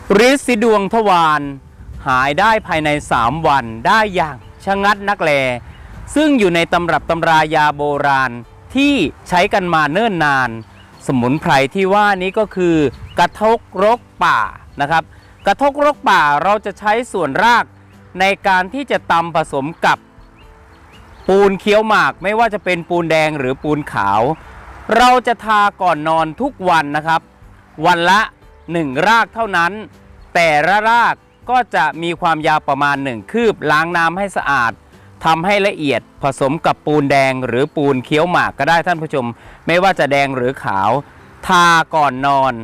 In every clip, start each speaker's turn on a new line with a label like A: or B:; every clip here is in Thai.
A: ฤทธิ์สีดวงทวารหายได้ภายใน3 วันได้อย่างชะงัดนักแลซึ่งอยู่ในตำรับตำรายาโบราณที่ใช้กันมาเนิ่นนานสมุนไพรที่ว่านี้ก็คือกระทกรกป่านะครับกระทกรกป่าเราจะใช้ส่วนรากในการที่จะตำผสมกับปูนเคี้ยวหมากไม่ว่าจะเป็นปูนแดงหรือปูนขาวเราจะทาก่อนนอนทุกวันนะครับวันละ1 รากเท่านั้นแต่ละรากก็จะมีความยาวประมาณ1 คืบล้างน้ำให้สะอาดทำให้ละเอียดผสมกับปูนแดงหรือปูนเคี้ยวหมากก็ได้ท่านผู้ชมไม่ว่าจะแดงหรือขาวทาก่อนนอน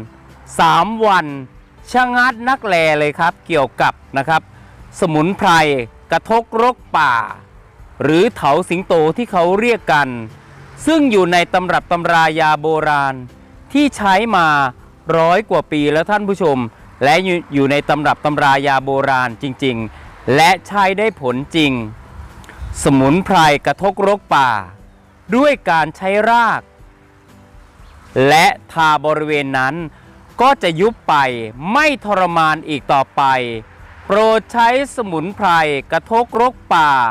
A: 3 วันชะงัดนักแลเลยครับเกี่ยวกับนะครับสมุนไพรกระทกรกป่าหรือเถาสิงโตที่เขาเรียกกันซึ่งอยู่ในตำรับตำรายาโบราณที่ใช้มา100 กว่าปีแล้วท่านผู้ชมและอยู่ในตำรับตำรายาโบราณจริงๆและใช้ได้ผลจริงสมุนไพรกระทกรกป่าด้วยการใช้รากและทาบริเวณนั้นก็จะยุบไปไม่ทรมานอีกต่อไปโปรดใช้สมุนไพรกระทกรกป่า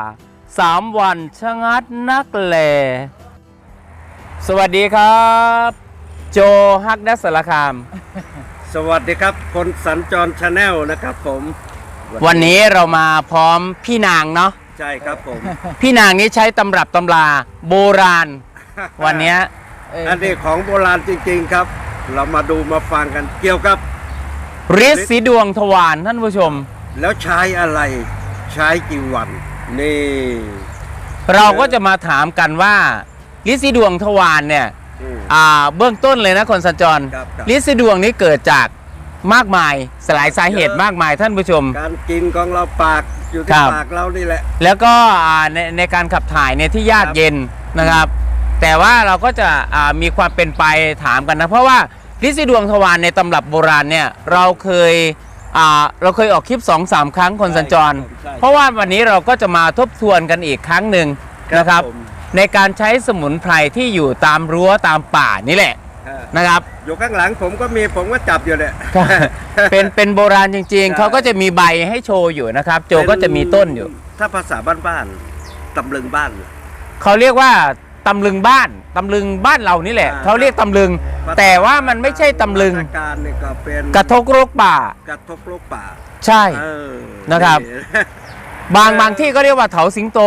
A: 3 วันชะงัดนักแลสวัสดีครับโจฮักดัสสารคาม
B: สวัสดีครับคนสัญจรชาแนลนะครับผม
A: วันนี้เรามาพร้อมพี่นางเนาะ
B: ใช่ครับผม
A: พี่นางนี้ใช้ตำรับตำราโบราณ วันนี้
B: อันนี้ของโบราณจริงๆครับเรามาดูมาฟังกันเกี่ยวกับ
A: ฤทธิ์สีดวงทวารท่านผู้ชม
B: แล้วใช้อะไรใช้กี่วันนี่
A: เราก็จะมาถามกันว่าฤทธิ์สีดวงทวารเนี่ยเบื้องต้นเลยนะคนสัญจรฤทธิ์สีดวงนี้เกิดจากมากมายหลายสาเหตุมากมายท่านผู้ชม
B: การกินของเราปากอยู่ที่ปากเรานี่แหละ
A: แล้วก็ในการขับถ่ายเนี่ยที่ยากเย็นนะครับแต่ว่าเราก็จะมีความเป็นไปถามกันนะเพราะว่าฤทธิ์สีดวงทวารในตำรับโบราณเนี่ยเราเคยออกคลิป 2-3 ครั้งคนสัญจรเพราะว่าวันนี้เราก็จะมาทบทวนกันอีกครั้งหนึ่งนะครับในการใช้สมุนไพรที่อยู่ตามรั้วตามป่านี่แหละนะครับ
B: อยู่ข้างหลังผมก็จับอยู่เนี่ย
A: เป็นโบราณจริงๆเขาก็จะมีใบให้โชว์อยู่นะครับโจก็จะมีต้นอยู่
B: ถ้าภาษาบ้านๆตำลึงบ้าน
A: เขาเรียกว่าตำลึงบ้านตำลึงบ้านเรานี่แหละเขาเรียกตำลึงแต่ว่ามันไม่ใช่ตำลึง
B: การนี่ก็เป็น
A: กระทกรกป่าใช่นะครับบางที่ก็เรียกว่าเถาสิงโต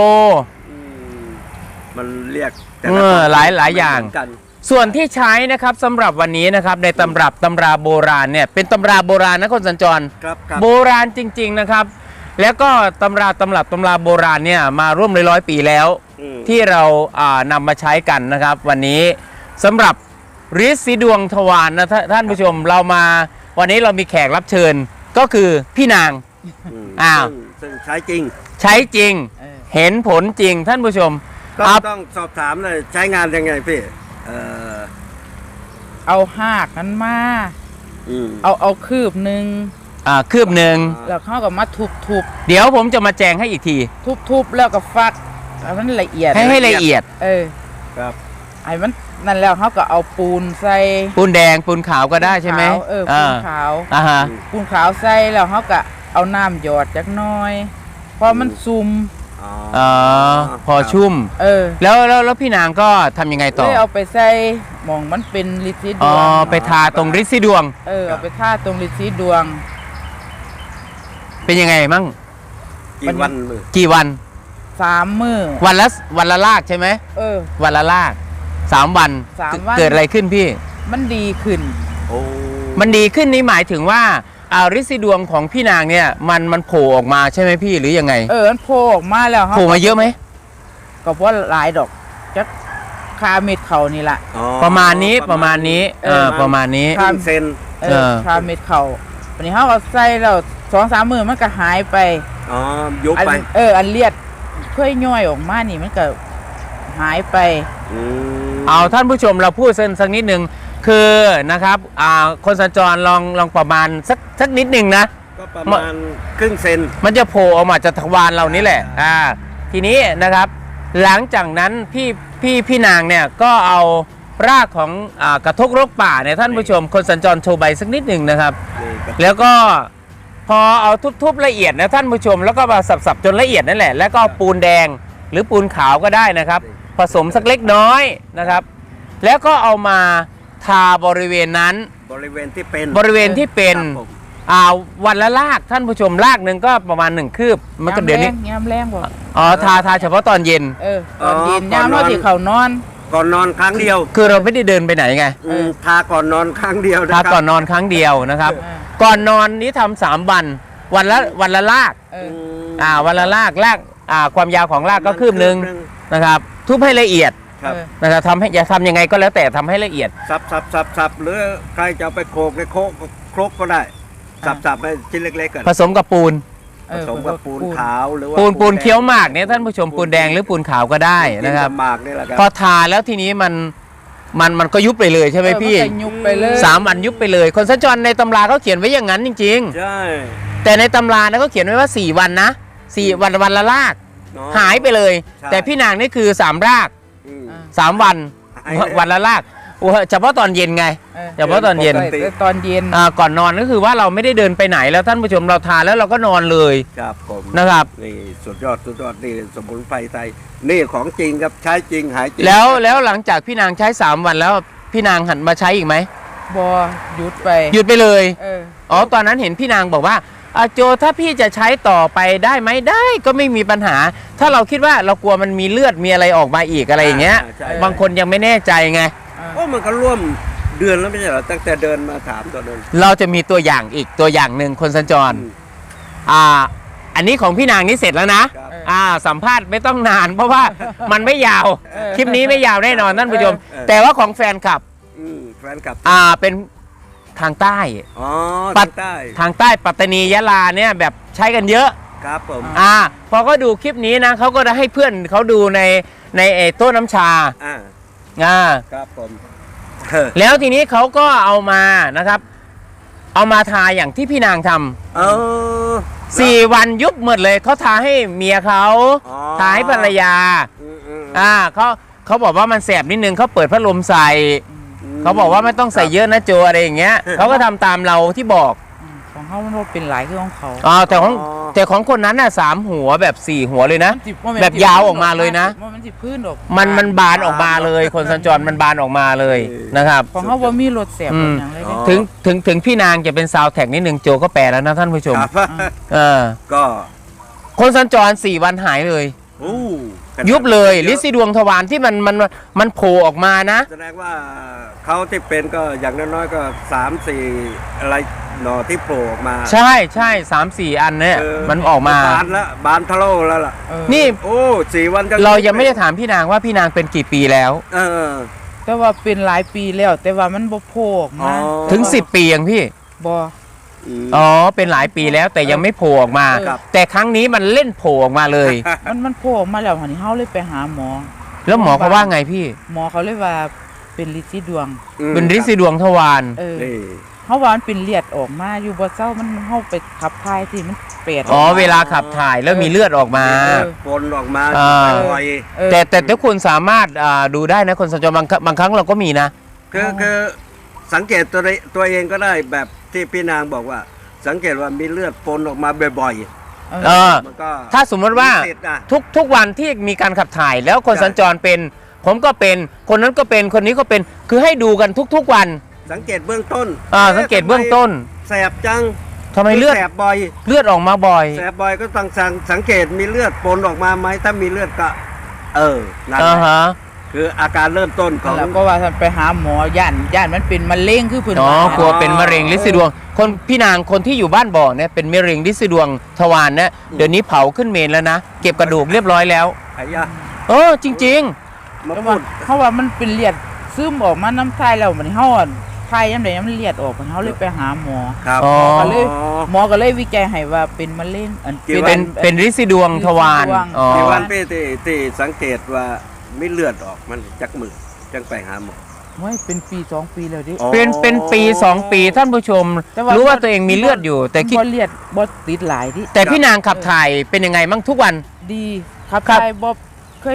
B: มันเรียก
A: หลายอย่างส่วนที่ใช้นะครับสำหรับวันนี้นะครับในตำรับตำราโบราณเนี่ยเป็นตำราโบราณนะคนสัญจรโบราณจริงๆนะครับแล้วก็ตำราโบราณเนี่ยมาร่วม100 ปีแล้วที่เรานำมาใช้กันนะครับวันนี้สำหรับฤทธิ์สีดวงทวารนะท่านผู้ชมเรามาวันนี้เรามีแขกรับเชิญก็คือพี่นาง
B: ซึ่งใช้จริ
A: งเห็นผลจริงท่านผู้ชม
B: ต้องสอบถามเลยใช้งานยังไงพี่
C: เอาหากนั้นมาเอาคืบหนึ่งแล้วเขาก็มาทุบ
A: เดี๋ยวผมจะมาแจงให้อีกที
C: ทุบแล้วก็ฟักมันละเอียด
A: ให้ละเอียด
B: ครับ
C: ไอ้มันนั่นแล้วเขาก็เอาปูนใส่
A: ปูนแดงปูนขาวก็ได้ใช่ไหม
C: ปูนขาวปูนขาวใส่แล้วเขาก็เอาน้ำหยอดจักน้อยพอมันซุ่ม
A: พอชุ่มแล้วพี่นางก็ทำยังไงต่อ
C: เอาไปใส่หมองมันเป็นฤทธิ์สีดวง
A: ไปทาตรงฤทธิ์สีดวง
C: เอาไปทาตรงฤทธิ์สีดวง
A: เป็นยังไงมั่งกี่วัน
C: 3 มื้อ
A: วันละลากใช่ไหมวันละลาก3 วันเกิดอะไรขึ้นพี่
C: มันดีขึ้น
A: มันดีขึ้นนี่หมายถึงว่าฤทธิ์สีดวงของพี่นางเนี่ยมันโผล่ออกมาใช่ไหมพี่หรือยังไง
C: มันโผล่ออกมาแล้ว
A: โผล่มาเยอะไหม
C: ก็เพราะหลายดอกจักคาเม็ดเขานี่แหละ
A: ประมาณนี้ประมาณนี้
B: คาเซน
C: คาเม็ดเขาวันนี้เขาเอาใส่แล้ว2-3 มื้อมันก็หายไป
B: ยุบไป
C: อันเลียดค่อยย่อยออกมานี่มันก็หายไป
A: เอาท่านผู้ชมเราพูดสักนิดนึงคือนะครับคนสัญจรลองประมาณสักนิดนึงนะ
B: ก็ประมาณครึ่งเซน
A: มันจะโผล่ออกมาจากทวารเรานี่แหละทีนี้นะครับหลังจากนั้นพี่นางเนี่ยก็เอารากของกระทกรกป่าเนี่ยท่านผู้ชมคนสัญจรโชว์ใบสักนิดหนึ่งนะครับแล้วก็พอเอาทุบๆละเอียดนะท่านผู้ชมแล้วก็มาสับๆจนละเอียดนั่นแหละแล้วก็เอาปูนแดงหรือปูนขาวก็ได้นะครับ ผสมสักเล็กน้อยนะครับ แล้วก็เอามาทาบริเวณนั้น
B: บริเวณที่เป็น
A: บริเวณที่เป็น
B: ครับผม
A: วันละลากท่านผู้ชมลากหนึ่งก็ประมาณ1 คืบมันก็เดี๋ยวนี้
C: ยามแรงบ่
A: อ๋อทาเฉพาะตอนเย็น
C: ตอนเย็นยามเราที่เขานอน
B: ก่อนนอนครั้งเดียว
A: คือเราไม่ได้เดินไปไหนไง
B: ทาก่อนนอนครั้งเดียวนะ
A: ทา
B: ครับ
A: ก่อนนอนครั้งเดียวนะครับ
C: เออ
A: ก่อนนอนนี้ทำ3 วันละลาก
C: เออ
A: วันละลากความยาวของลากก็คืบหนึ่งนะครับ ทุบให้ละเอียด
B: ครับ
A: นะครับทำให้อย่าทำยังไงก็แล้วแต่ทำให้ละเอียด
B: สับหรือใครจะเอาไปโขลกในโครกก็ได้สับให้ชิ้นเล็กๆกัน
A: ผสมกับปูน
B: ผสมกับปูนขาวหรือว่า
A: ปูนเคี้ยวหมากเนี่ยท่านผู้ชมปูนแดงหรือปูนขาวก็ได้นะครับ
B: หมากนี่แหละครับ
A: พอทาแล้วทีนี้มันก็ยุบไปเลยใช่ไหมพี่
C: มันก็ยุบไปเลย
A: 3 วันยุบไปเลย คนสัญจรในตำราเขาเขียนไว้อย่างนั้นจริง
B: ใช่
A: ๆ แต่ในตำรานะเขาเขียนไว้ว่า4 วันนะ4 วันละลาก
B: เนาะ
A: หายไปเลย
B: ใช่
A: แต่พี่นางนี่คือ3 ราก
B: อืม
A: 3 วัน
B: หายเลย
A: วันละลากโอ้เฉพาะตอนเย็นไง เฉพาะตอนเย็น
C: ตอนเย็น
A: ก่อนนอนก็คือว่าเราไม่ได้เดินไปไหนแล้วท่านผู้ชมเราทานแล้วเราก็นอนเลย
B: ครับผม
A: นะครับ
B: นี่สุดยอดนี่สมุนไพรไทยนี่ของจริงครับใช้จริงหายจริง
A: แล้วหลังจากพี่นางใช้3 วันแล้วพี่นางหันมาใช้อีกไหม
C: บ่หยุดไป
A: หยุดไปเลย
C: เออ
A: อ๋อตอนนั้นเห็นพี่นางบอกว่าโจถ้าพี่จะใช้ต่อไปได้ไหมได้ก็ไม่มีปัญหา ถ้าเราคิดว่าเรากลัวมันมีเลือดมีอะไรออกมาอีกอะไรอย่างเงี้ย
B: ใช่
A: บางคนยังไม่แน่ใจไง
B: โอ้มันก็ร่วมเดือนแล้วไม่ใช่เหรอตั้งแต่เดินมาถามตัวเดิน
A: เราจะมีตัวอย่างอีกตัวอย่างหนึ่งคนสัญจร อันนี้ของพี่นางนี่เสร็จแล้วนะครับ สัมภาษณ์ไม่ต้องนาน เพราะว่ามันไม่ยาว คลิปนี้ไม่ยาวแน่นอนท่านผู้ชม แต่ว่าของแฟนคลับ
B: แฟนคลับ
A: เป็นทางใต้
B: อ๋อ
A: ปั
B: ทา
A: ด
B: งใต้
A: ทางใต้ปัตตานียะลาเนี่ยแบบใช้กันเยอะ
B: ครับผม
A: พอเขาดูคลิปนี้นะเขาก็จะให้เพื่อนเขาดูในโต๊ะน้ำชา
B: ครับผม
A: แล้วทีนี้เขาก็เอามานะครับ เอามาทาอย่างที่พี่นางทำ
B: เออ
A: 4 วันยุบหมดเลยเขาทาให้เมียเขา
B: อ๋อ
A: ทาให้ภรรยา
B: อืม
A: เขาบอกว่ามันแสบนิดนึงเขาเปิดพัดลมใส่เขาบอกว่าไม่ต้องใส่เยอะนะโจอะไรอย่างเงี้ยเขาก็ทำตามเราที่บอก
C: ของเขามันบ่เป็นหลายคือของเขา
A: แต่ของคนนั้นน่ะ3 หัวแบบ 4 หัวเลยนะ
C: มันสิ
A: แบบยาวออกมาเลยนะ
C: มันสิพื้นออก
A: มันบานออกมาเลยคนสัญจรมันบานออกมาเลยนะครับ
C: ของเขาบ่มีรถแสบบ่หยังเลย
B: อ๋อ
A: ถึงพี่นางจะเป็นซาวด์แท็กนิดนึงโจก็แปลแล้วนะท่านผู้ชม
B: ครับ
A: เออ
B: ก็
A: คนสัญจร4 วันหายเลย
B: อู้
A: ยุบเลยลิซิดวงทวารที่มันโผล่ออกมานะ
B: แสดงว่าเขาที่เป็นก็อย่างน้อยๆก็3-4อะไรหน่อที่โผล่ออกมา
A: ใช่3-4 อันเนี่ยมันออกมา
B: บานแล้วบานทะโลแล้วล่ะ
A: นี่
B: โอ้4 วันก็
A: เรายังไม่ได้ถามพี่นางว่าพี่นางเป็นกี่ปีแล้ว
B: เออ
C: แต่ว่าเป็นหลายปีแล้ว แต่ว่ามันบ่โผล่ออกมา
B: อ๋อ
A: ถึง 10 ปียังพี่
C: บ่
A: อ๋อเป็นหลายปีแล้วแต่ยังไม่โผล่ออกมา
B: ครับ
A: แต่ครั้งนี้มันเล่นโผล่ออกมาเลย
C: มันโผล่ออกมาแล้วหันนี้เฮาเลยไปหาหมอ
A: แล้วหมอเขาว่าไงพี่
C: หมอเขาเลยว่าเป็นลิซิดวง
A: เป็นลิซิดวงทวาร
B: นี่
C: เฮาว่ามันเป็นเลือดออกมาอยู่บ่เช้ามันเฮาไปขับถ่ายที่มันเปรต
A: อ๋อเวลาขับถ่ายแล้วมีเลือดออกมา
B: ปนออกมา
A: อ่า
B: บ่อย
A: แต่ทุกคนสามารถดูได้นะคนสัญจรบางครั้งเราก็มีนะ
B: คือสังเกตตัวเองก็ได้แบบที่พี่นางบอกว่า สังเกตว่ามีเลือดปนออกมาบ่อย
A: เออ
B: ๆมันก็
A: ถ้าสมมติว่า
B: สิทธิ์นะ
A: ทุกวันที่มีการขับถ่ายแล้วคน
B: ใช่
A: สัญจรเป็น ผมก็เป็นคนนั้นก็เป็นคนนี้ก็เป็นคือให้ดูกันทุกวัน
B: สังเกตเบื้องต้น
A: สังเกตเบื้องต้น
B: แสบจัง
A: ทำไมเลือด
B: แสบบ่อย
A: เลือดออกมาบ่อย
B: แสบบ่อยก็ต้องสังเกตมีเลือดปนออกมาไหมถ้ามีเลือดก็นั่นแหละ
A: ฮะ
B: คืออาการเริ่มต้นของ
C: แล้วก็ว่าท่านไปหาหมอย่านมันเป็นมะเร็งคือเพิ่น
A: อ๋อ
C: ว่าก
A: ลัวเป็นมะเร็งลินสีดวง คนพี่นางคนที่อยู่บ้านบ่อเนี่ยเป็นมะเร็งลินสีดวงทวารเนี่ยเดี๋ยวนี้เผาขึ้นเมนแล้วนะเก็บกระดูกเรียบร้อยแล้ว
B: ไอ้ยะ
A: จริง
B: มา
C: แต่
B: พู
C: ว่า
B: ด
C: เขาว่ามันเป็นเลือดซึมออกมาน้ำทายแล้วมันเฮาทายยามใดมันเลือดออกมันเฮาเลยไปหาหมอ
B: ครับ
A: อ๋อ
C: หมอก็เลยวิจัยให้ว่าเป็นมะเร็งอัน
B: กี่
A: ๆ
B: วั
A: เป็นลินสีดวงทวาร
C: ลินสีดวง
A: อ๋อ
B: ที่วันพี่ที่สังเกตว่ามีเลือดออกมันจักมือจังไปหาหมอ
C: โอ้ยเป็นปี2 ปีแล้วดิ
B: อ๋อ
A: เป็นปี 2 ปีท่านผู้ชม
C: แต่ว่า
A: รู้ว่าตัวเองมีเลือดอยู่ แต่คิด
C: บ่เลือดบ่ติดหลายดิ
A: แต่พี่นางขับถ่ายเป็นยังไงบ้างทุกวัน
C: ดีครับ
A: ครับ
C: ทายบ่เคย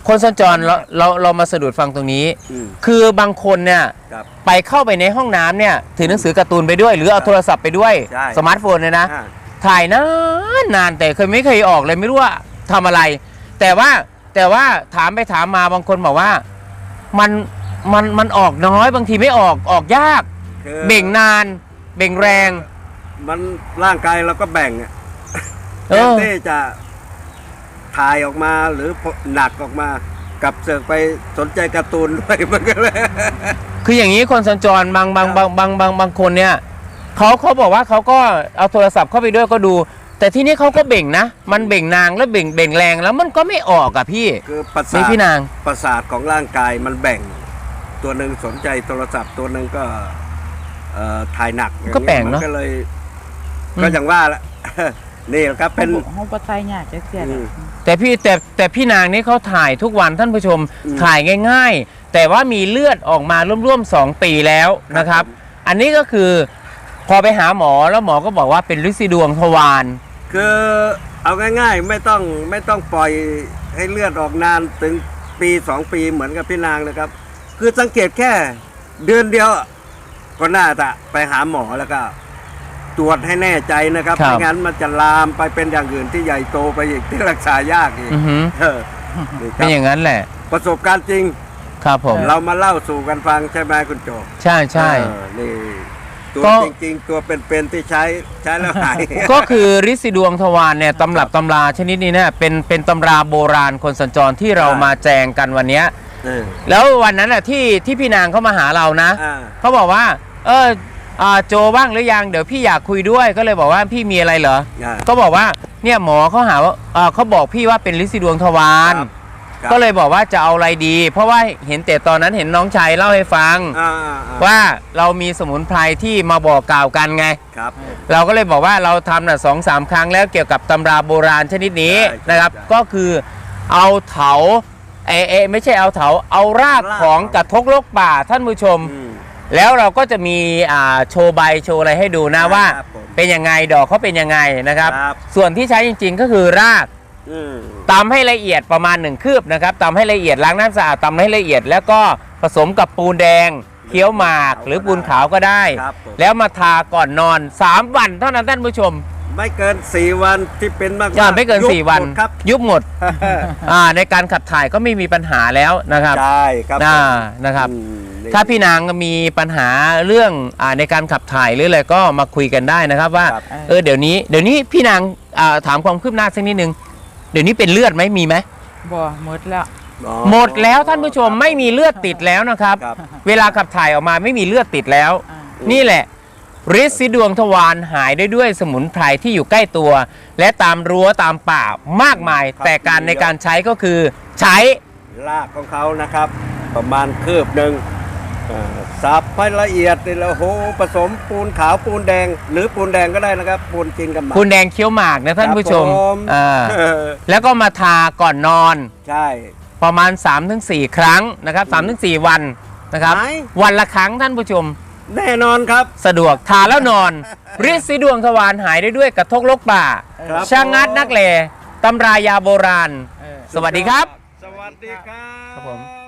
A: คนสัญจรเรามาสะดุดฟังตรงนี้ คือบางคนเนี่ย
B: ครับ
A: ไปเข้าไปในห้องน้ำเนี่ยถือหนังสือการ์ตูนไปด้วย หรือเอาโทรศัพท์ไปด้วย
B: ใช่
A: สมาร์ทโฟนเนี่ยนะ
B: อ่า
A: ถ่ายนานแต่ไม่เคยออกเลยไม่รู้ว่าทำอะไร แต่ว่าถามไปถามมาบางคนบอกว่ามันออกน้อยบางทีไม่ออกยาก
B: คือ
A: เบ่งนานเบ่งแรง
B: มันร่างกายเราก็แบ่งอะ
A: เอ
B: แทน
A: อ
B: ที่จะถ่ายออกมาหรือหนักออกมากับเสือกไปสนใจการ์ตูนด้วย มันก็เลย
A: คืออย่างนี้คนสัญจรบางคนเนี่ยเขาบอกว่าเขาก็เอาโทรศัพท์เข้าไปด้วยก็ดู แต่ที่นี้เขาก็เบ่งนะ มันเบ่งนางแล้วเบ่งแรงแล้วมันก็ไม่ออกอะพี่
B: คือประสา
A: นี่
B: ท
A: พี่นาง
B: ประสาทของร่างกายมันแบ่ง ตัวหนึ่งสนใจโทรศัพท์ตัวหนึ่งก็ถ่ายหนัก
A: ก็แปลกเนอะ
B: มัก็เลยก็อย่างว่าละ นี่แหละครับเป็น
C: ห้องปตายยากจะเสีย
B: อืม
A: แต่พี่นางนี่เขาถ่ายทุกวันท่านผู้ชม
B: อืม
A: ถ่ายง่าย ๆ แต่ว่ามีเลือดออกมาร่วมๆ2 ปีแล้วนะครับ
B: ผม
A: อันนี้ก็คือพอไปหาหมอแล้วหมอก็บอกว่าเป็นฤทธิ์ดวงทวาร
B: คือเอาง่ายๆไม่ต้องปล่อยให้เลือดออกนานถึงปี2 ปีเหมือนกับพี่นางนะครับ คือสังเกตแค่เดือนเดียวก็น่าจะไปหาหมอแล้วก็ ตรวจให้แน่ใจนะครับ
A: ครับ
B: ไม่งั้นมันจะลามไปเป็นอย่างอื่นที่ใหญ่โตไปอีกที่รักษายากอีก
A: อือหือ
B: เออนี่ค
A: เป็นอ
B: รับ
A: ย่างนั้นแหละ
B: ประสบการณ์จริง
A: ครับผม
B: เรามาเล่าสู่กันฟังใช่ไหมคุณโจ
A: ใช่ใช่
B: เออนี่ตัว
A: ก็
B: จริงๆ ตัวเป็นๆที่ใช้แล้วหาย
A: ก็คือฤทธิ์ดวงทวารเนี่ยตำรับตำราชนิดนี้เนี่ยเป็นตำราโบราณคนสัญจรที่เรามาแจงกันวันเนี้ย
B: เออ
A: แล้ววันนั้นแหละที่พี่นางเขามาหาเรานะ
B: อ่า
A: เขาบอกว่าโจบ้างหรือยังเดี๋ยวพี่อยากคุยด้วยก็เลยบอกว่าพี่มีอะไรเหรอ
B: อ่า
A: ก็บอกว่าเนี่ยหมอเขาหาว่าเขาบอกพี่ว่าเป็นฤทธิ์ดวงทวาร
B: ครับ
A: ก็เลยบอกว่าจะเอาอะไรดี เพราะว่าเห็นแต่ตอนนั้นเห็นน้องชายเล่าให้ฟัง
B: อ่า
A: ว่าเรามีสมุนไพรที่มาบอกกล่าวกันไง
B: ครับ
A: เราก็เลยบอกว่าเราทำน่ะ2-3 ครั้งแล้วเกี่ยวกับตำราโบราณชนิดนี้
B: ใช่
A: นะครับ
B: ใช่
A: ก็คือเอาเถาไม่ใช่เอาเถาเอารากของกระทกลกป่าท่านผู้ชม
B: อืม
A: แล้วเราก็จะมีโชว์ใบโชว์อะไรให้ดูนะว่า
B: ครับผม
A: เป็นยังไงดอกเขาเป็นยังไงนะครับ
B: ครับ
A: ส่วนที่ใช้จริงๆก็คือราก
B: อืม
A: ตำให้ละเอียดประมาณ1 คืบนะครับตำให้ละเอียดล้างน้ำสะอาดตำให้ละเอียด แล้วก็ผสมกับปูนแดงเคี้ยวหมากหรือปูนขาวก็ได้
B: ครับผม
A: แล้วมาทาก่อนนอน 3 วันเท่านั้นท่านผู้ชม
B: ไม่เกิน4 วันที่เป็นมากๆ
A: อย่าไม่เกิน
B: ยุบ
A: 4 วัน
B: หมดครับ
A: ยุบหมด ในการขับถ่ายก็ไม่มีปัญหาแล้วนะครับ
B: ใช่ครับ
A: นะครับ
B: อืมนี่
A: ถ้าพี่นางมีปัญหาเรื่องในการขับถ่ายหรืออะไรก็มาคุยกันได้นะครับว่า
B: ครับ
A: เดี๋ยวนี้พี่นางถามความคืบหน้าสักนิดนึงเดี๋ยวนี้เป็นเลือดไหมมีไหม
C: บ่หมดแล้ว
B: อ๋อ
A: หมดแล้วท่านผู้ชมไม่มีเลือดติดแล้วนะครับ
B: ครับ
A: เวลาขับถ่ายออกมาไม่มีเลือดติดแล้ว
C: อ่า
A: นี่แหละฤทธิ์สีดวงทวารหายได้ด้วยสมุนไพรที่อยู่ใกล้ตัว และตามรั้วตามป่ามากมาย แต่การในการใช้ก็คือใช้
B: รากของเขานะครับ ประมาณคืบหนึ่งสับให้ละเอียดนี่แล้วโหผสมปูนขาวปูนแดง หรือปูนแดงก็ได้นะครับ ปูนกินกับหมาก
A: คุณแดงเคี้ยวหมากนะท่านผู้ชม
B: ครับผม เออ
A: แล้วก็มาทาก่อนนอน
B: ใช่
A: ประมาณ 3-4 ครั้งนะครับ3-4 วันนะครับ
B: หาย
A: วันละครั้งท่านผู้ชม
B: แน่นอนครับ
A: สะดวกทาแล้วนอนฤทธิ์สีดวงทวารหายได้ด้วยกระทกลกป่า
B: ครับ
A: ชะงัดนักแลตำรายาโบราณ สวัสดีครับ
B: สวัสดีครั
A: ครับผม
B: บ